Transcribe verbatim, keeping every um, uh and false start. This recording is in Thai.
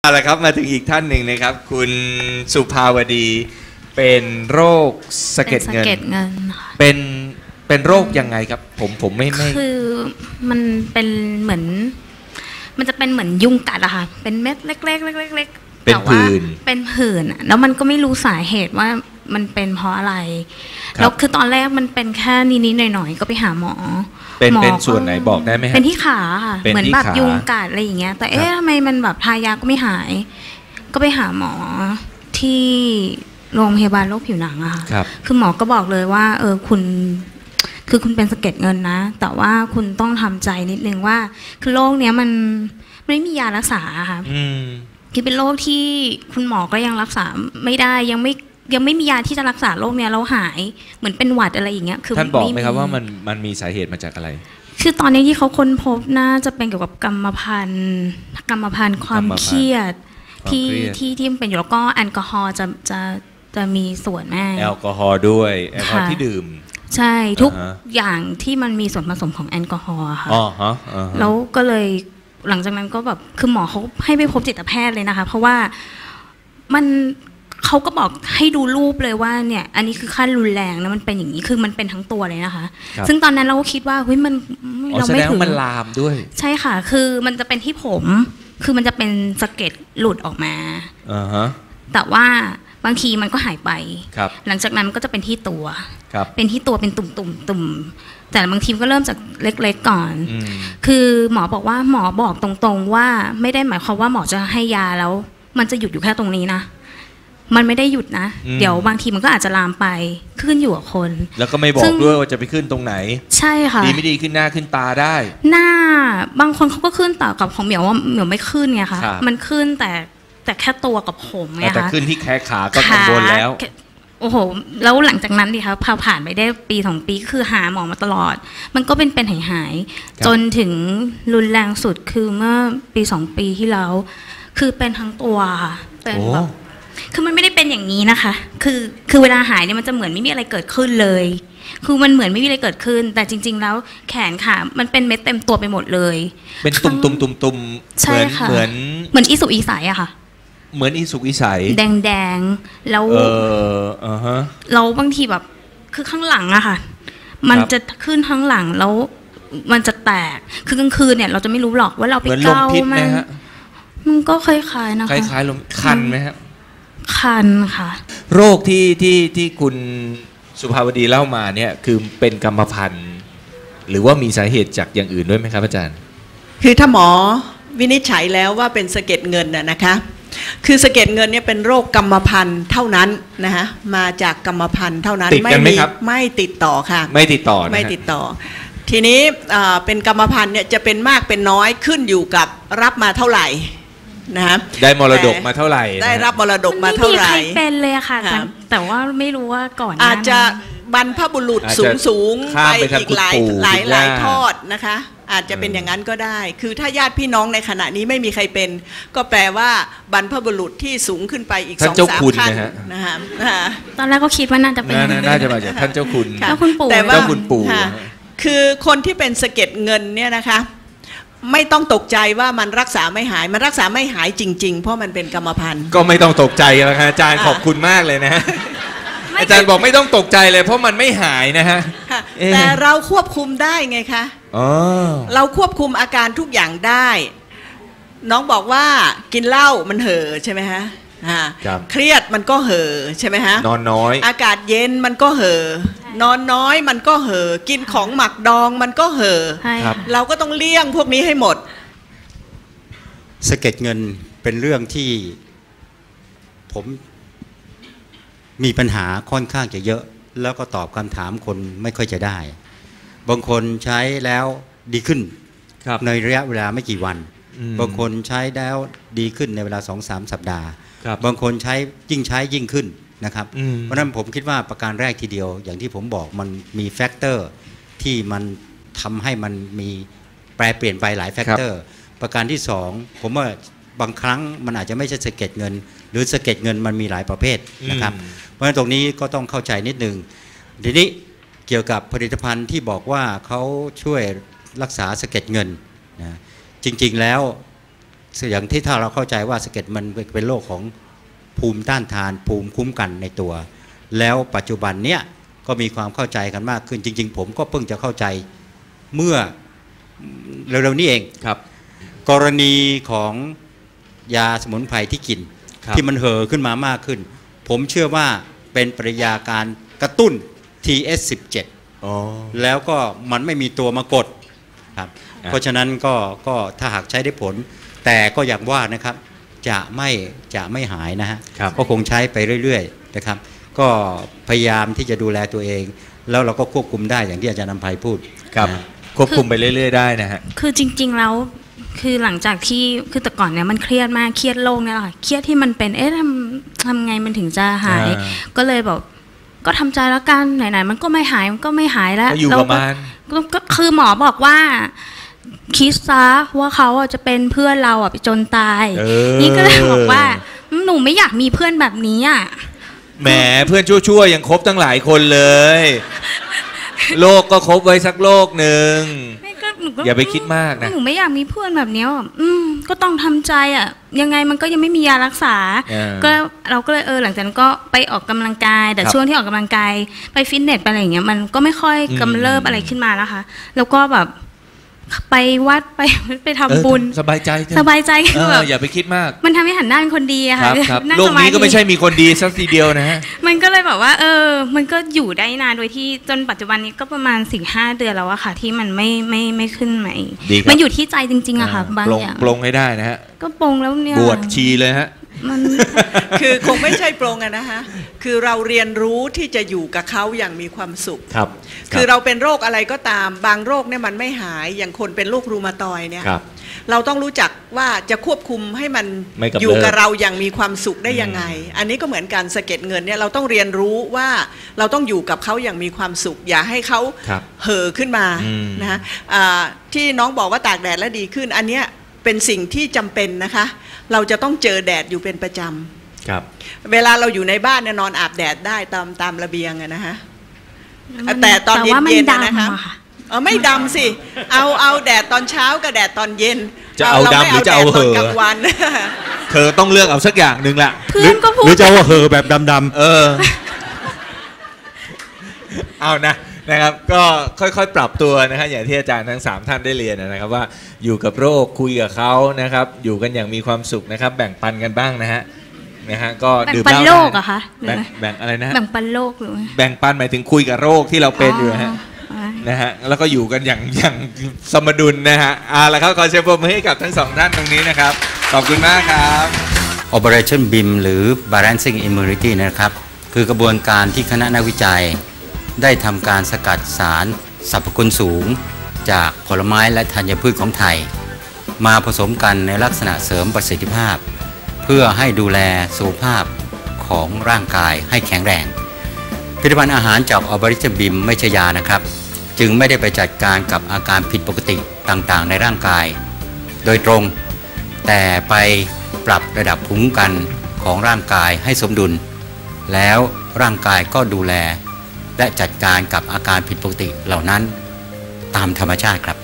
เอาละครับมาถึงอีกท่านหนึ่งนะครับคุณสุภาวดีเป็นโรคสะเก็ดเงินเป็นเป็นโรคยังไงครับผมผมไม่ไม่คือมันเป็นเหมือนมันจะเป็นเหมือนยุงกัดอะค่ะเป็นเม็ดเล็กๆเล็กๆเป็นผื่นเป็นผื่นแล้วมันก็ไม่รู้สาเหตุว่ามันเป็นเพราะอะไรแล้วคือตอนแรกมันเป็นแค่นิดๆหน่อยๆก็ไปหาหมอเป็นเป็นส่วนไหนบอกได้ไหมครับเป็นที่ขาค่ะเหมือนแบบยุงกัดอะไรอย่างเงี้ยแต่เอ๊ะทำไมมันแบบทายาก็ไม่หายก็ไปหาหมอที่โรงพยาบาลโรคผิวหนังอะค่ะคือหมอก็บอกเลยว่าเออคุณคือคุณเป็นสะเก็ดเงินนะแต่ว่าคุณต้องทำใจนิดนึงว่าคือโรคเนี้ยมันไม่มียารักษาค่ะคือเป็นโรคที่คุณหมอก็ยังรักษาไม่ได้ยังไม่ยังไม่มียาที่จะรักษาโรคเนี้ยเราหายเหมือนเป็นหวัดอะไรอย่างเงี้ยคือท่านบอกไหมครับว่ามันมันมีสาเหตุมาจากอะไรคือตอนนี้ที่เขาค้นพบน่าจะเป็นเกี่ยวกับกรรมพันธุ์กรรมพันธุ์ความเครียดที่ที่ที่มันเป็นอยู่แล้วก็แอลกอฮอล์จะจะจะมีส่วนแม่แอลกอฮอล์ด้วยแอลกอฮอล์ที่ดื่มใช่ทุกอย่างที่มันมีส่วนผสมของแอลกอฮอล์ค่ะแล้วก็เลยหลังจากนั้นก็แบบคือหมอเขาให้ไปพบจิตแพทย์เลยนะคะเพราะว่ามันเขาก็บอกให้ดูรูปเลยว่าเนี่ยอันนี้คือขั้นรุนแรงนะมันเป็นอย่างนี้คือมันเป็นทั้งตัวเลยนะคะซึ่งตอนนั้นเราก็คิดว่าเฮ้ยมันเราไม่ถึงมันลามด้วยใช่ค่ะคือมันจะเป็นที่ผมคือมันจะเป็นสะเก็ดหลุดออกมาแต่ว่าบางทีมันก็หายไปหลังจากนั้นมันก็จะเป็นที่ตัวเป็นที่ตัวเป็นตุ่มตุ่มตุ่มแต่บางทีก็เริ่มจากเล็กๆก่อนคือหมอบอกว่าหมอบอกตรงๆว่าไม่ได้หมายความว่าหมอจะให้ยาแล้วมันจะหยุดอยู่แค่ตรงนี้นะมันไม่ได้หยุดนะเดี๋ยวบางทีมันก็อาจจะลามไปขึ้นอยู่กับคนแล้วก็ไม่บอกด้วยว่าจะไปขึ้นตรงไหนใช่ค่ะดีไม่ดีขึ้นหน้าขึ้นตาได้หน้าบางคนเขาก็ขึ้นต่อกับของเหมียวว่าเหมียวไม่ขึ้นไงคะมันขึ้นแต่แต่แค่ตัวกับผมไงคะแต่ขึ้นที่แขนขาก็กังวลแล้วโอ้โหแล้วหลังจากนั้นดิคะพอผ่านไปได้ปีสองปีคือหาหมอมาตลอดมันก็เป็นเป็นหายหายจนถึงรุนแรงสุดคือเมื่อปีสองปีที่แล้วคือเป็นทั้งตัวค่ะเป็นแบบคือมันไม่ได้เป็นอย่างนี้นะคะคือคือเวลาหายเนี่ยมันจะเหมือนไม่มีอะไรเกิดขึ้นเลยคือมันเหมือนไม่มีอะไรเกิดขึ้นแต่จริงๆแล้วแขนขามันเป็นเม็ดเต็มตัวไปหมดเลยเป็นตุ่มตุ่มตุ่มตุ่มเหมือนเหมือนเหมือนอีสุกอีใสอะค่ะเหมือนอีสุกอีใสแดงแดงแล้วเอออ่าฮะเราบางทีแบบคือข้างหลังอะค่ะมันจะขึ้นข้างหลังแล้วมันจะแตกคือกลางคืนเนี่ยเราจะไม่รู้หรอกว่าเราไปเกามันมันก็คล้ายๆนะคะคล้ายๆลมคันไหมครับคันค่ะโรคที่ที่ที่คุณสุภาวดีเล่ามาเนี่ยคือเป็นกรรมพันธุ์หรือว่ามีสาเหตุจากอย่างอื่นด้วยไหมครับอาจารย์คือถ้าหมอวินิจฉัยแล้วว่าเป็นสะเก็ดเงินน่ะนะคะคือสะเก็ดเงินเนี่ยเป็นโรคกรรมพันธุ์เท่านั้นนะคะมาจากกรรมพันธุ์เท่านั้นติดกันไหมครับไม่ติดต่อค่ะไม่ติดต่อไม่ติดต่อทีนี้เป็นกรรมพันธุ์เนี่ยจะเป็นมากเป็นน้อยขึ้นอยู่กับรับมาเท่าไหร่นะได้มรดกมาเท่าไหร่ได้รับมรดกมาเท่าไหร่ไม่มีใครเป็นเลยค่ะแต่ว่าไม่รู้ว่าก่อนอาจจะบรรพบุรุษสูงสูงไปอีกหลายหลายหลายทอดนะคะอาจจะเป็นอย่างนั้นก็ได้คือถ้าญาติพี่น้องในขณะนี้ไม่มีใครเป็นก็แปลว่าบรรพบุรุษที่สูงขึ้นไปอีกสองสามขั้นนะฮะตอนแรกก็คิดว่าน่าจะเป็นน่าจะมาจากท่านเจ้าคุณเจ้าคุณปู่แต่ว่าเจ้าคุณปู่คือคนที่เป็นสะเก็ดเงินเนี่ยนะคะไม่ต้องตกใจว่ามันรักษาไม่หายมันรักษาไม่หายจริงๆเพราะมันเป็นกรรมพันธุ์ก็ไม่ต้องตกใจแล้วครับอาจารย์ขอบคุณมากเลยนะอาจารย์บอกไม่ต้องตกใจเลยเพราะมันไม่หายนะฮะแต่เราควบคุมได้ไงคะเราควบคุมอาการทุกอย่างได้น้องบอกว่ากินเหล้ามันเห่อใช่ไหมฮะเครียดมันก็เห่อใช่ไหมฮะนอนน้อยอากาศเย็นมันก็เห่อนอนน้อยมันก็เห่อกินของหมักดองมันก็เห่อเราก็ต้องเลี่ยงพวกนี้ให้หมดสะเก็ดเงินเป็นเรื่องที่ผมมีปัญหาค่อนข้างจะเยอะแล้วก็ตอบคำถามคนไม่ค่อยจะได้บางคนใช้แล้วดีขึ้นในระยะเวลาไม่กี่วันบางคนใช้แล้วดีขึ้นในเวลา สองถึงสาม สัปดาห์บางคนใช้ยิ่งใช้ยิ่งขึ้นนะครับเพราะฉะนั้นผมคิดว่าประการแรกทีเดียวอย่างที่ผมบอกมันมีแฟกเตอร์ที่มันทำให้มันมีแปรเปลี่ยนไปหลายแฟกเตอร์ประการที่สองผมว่าบางครั้งมันอาจจะไม่ใช่สะเก็ดเงินหรือสะเก็ดเงินมันมีหลายประเภทนะครับเพราะฉะนั้นตรงนี้ก็ต้องเข้าใจนิดนึงทีนี้เกี่ยวกับผลิตภัณฑ์ที่บอกว่าเขาช่วยรักษาสะเก็ดเงินนะจริงๆแล้วอย่างที่ถ้าเราเข้าใจว่าสะเก็ดมันเป็นโรคของภูมิต้านทานภูมิคุ้มกันในตัวแล้วปัจจุบันเนี้ยก็มีความเข้าใจกันมากขึ้นจริงๆผมก็เพิ่งจะเข้าใจเมื่อเร็วๆนี้เองครับกรณีของยาสมุนไพรที่กินที่มันเห่อขึ้นมามากขึ้นผมเชื่อว่าเป็นปริยาการกระตุ้น ที เอส สิบเจ็ดอ๋อแล้วก็มันไม่มีตัวมากดครับเพราะฉะนั้นก็ก็ถ้าหากใช้ได้ผลแต่ก็อย่างว่านะครับจะไม่จะไม่หายนะฮะก็คงใช้ไปเรื่อยๆนะครับก็พยายามที่จะดูแลตัวเองแล้วเราก็ควบคุมได้อย่างที่อาจารย์นำไพพูดครับควบคุมไปเรื่อยๆได้นะฮะคือจริงๆแล้วคือหลังจากที่คือแต่ก่อนเนี่ยมันเครียดมากเครียดโรคเนี่ยค่ะเครียดที่มันเป็นเอ๊ะทำทำไงมันถึงจะหายก็เลยบอกก็ทำใจแล้วกันไหนๆมันก็ไม่หายมันก็ไม่หายแล้วอยู่ประมาณก็คือหมอบอกว่าคิดซะว่าเขาจะเป็นเพื่อนเราอ่ะไปจนตายนี่ก็เลยบอกว่าหนูไม่อยากมีเพื่อนแบบนี้อ่ะแหมเพื่อนชั่วๆยังคบตั้งหลายคนเลยโลกก็คบไว้สักโลกหนึ่งอย่าไปคิดมากนะหนูไม่อยากมีเพื่อนแบบนี้อืมก็ต้องทำใจอ่ะยังไงมันก็ยังไม่มียารักษาก็เราก็เลยเออหลังจากนั้นก็ไปออกกำลังกายแต่ช่วงที่ออกกำลังกายไปฟิตเนสไปอะไรอย่างเงี้ยมันก็ไม่ค่อยกำเริบอะไรขึ้นมาแล้วค่ะแล้วก็แบบไปวัดไปไปทำบุญสบายใจสบายใจคือแบบอย่าไปคิดมากมันทำให้หันหน้าเป็นคนดีอะค่ะโลกนี้ก็ไม่ใช่มีคนดีสักทีเดียวนะฮะมันก็เลยแบบว่าเออมันก็อยู่ได้นานโดยที่จนปัจจุบันนี้ก็ประมาณ สี่ห้า เดือนแล้วอะค่ะที่มันไม่ไม่ไม่ขึ้นใหม่มันอยู่ที่ใจจริงๆอะค่ะบางอย่างปลงให้ได้นะฮะก็ปลงแล้วเนี่ยบวชชีเลยฮะมันคือคงไม่ใช่ปรงอะนะคะคือเราเรียนรู้ที่จะอยู่กับเขาอย่างมีความสุขครับคือเราเป็นโรคอะไรก็ตามบางโรคเนี่ยมันไม่หายอย่างคนเป็นโรครูมาตอยเนี่ยเราต้องรู้จักว่าจะควบคุมให้มันอยู่กับเราอย่างมีความสุขได้ยังไงอันนี้ก็เหมือนการสะเก็ดเงินเนี่ยเราต้องเรียนรู้ว่าเราต้องอยู่กับเขาอย่างมีความสุขอย่าให้เขาเห่อขึ้นมานะฮะที่น้องบอกว่าตากแดดแล้วดีขึ้นอันเนี้ยเป็นสิ่งที่จำเป็นนะคะเราจะต้องเจอแดดอยู่เป็นประจำครับเวลาเราอยู่ในบ้านเนี่ยนอนอาบแดดได้ตามตามระเบียงอะนะฮะแต่ตอนเย็นๆนะคะเออไม่ดำสิเอาเอาแดดตอนเช้ากับแดดตอนเย็นจะเอาดำหรือจะเอาเหอกลางวันเธอต้องเลือกเอาสักอย่างหนึ่งละเพื่อนก็พูดหรือจะเอาเหอแบบดำๆเออเอานะนะครับก็ค่อยๆปรับตัวนะครับอย่างที่อาจารย์ทั้งสามท่านได้เรียนนะครับว่าอยู่กับโรคคุยกับเขานะครับอยู่กันอย่างมีความสุขนะครับแบ่งปันกันบ้างนะฮะนะฮะก็ดื่มเหล้าแบ่งปันโรคอะคะแบ่งแบ่งอะไรนะแบ่งปันโรคหรือแบ่งปันหมายถึงคุยกับโรคที่เราเป็นอยู่ฮะนะฮะแล้วก็อยู่กันอย่างอย่างสมดุลนะฮะอ่าแล้วเขาขอเชิญปรบมือให้กับทั้งสองท่านตรงนี้นะครับขอบคุณมากครับ Operation บี ไอ เอ็ม หรือ Balancing Immunity นะครับคือกระบวนการที่คณะนักวิจัยได้ทำการสกัดสารสรรพคุณสูงจากผลไม้และธัญพืชของไทยมาผสมกันในลักษณะเสริมประสิทธิภาพเพื่อให้ดูแลสุขภาพของร่างกายให้แข็งแรงผลิตภัณฑ์อาหารจากออบริชบิมไม่ใช่ยานะครับจึงไม่ได้ไปจัดการกับอาการผิดปกติต่างๆในร่างกายโดยตรงแต่ไปปรับระดับภูมิคุ้มกันของร่างกายให้สมดุลแล้วร่างกายก็ดูแลและจัดการกับอาการผิดปกติเหล่านั้นตามธรรมชาติครับ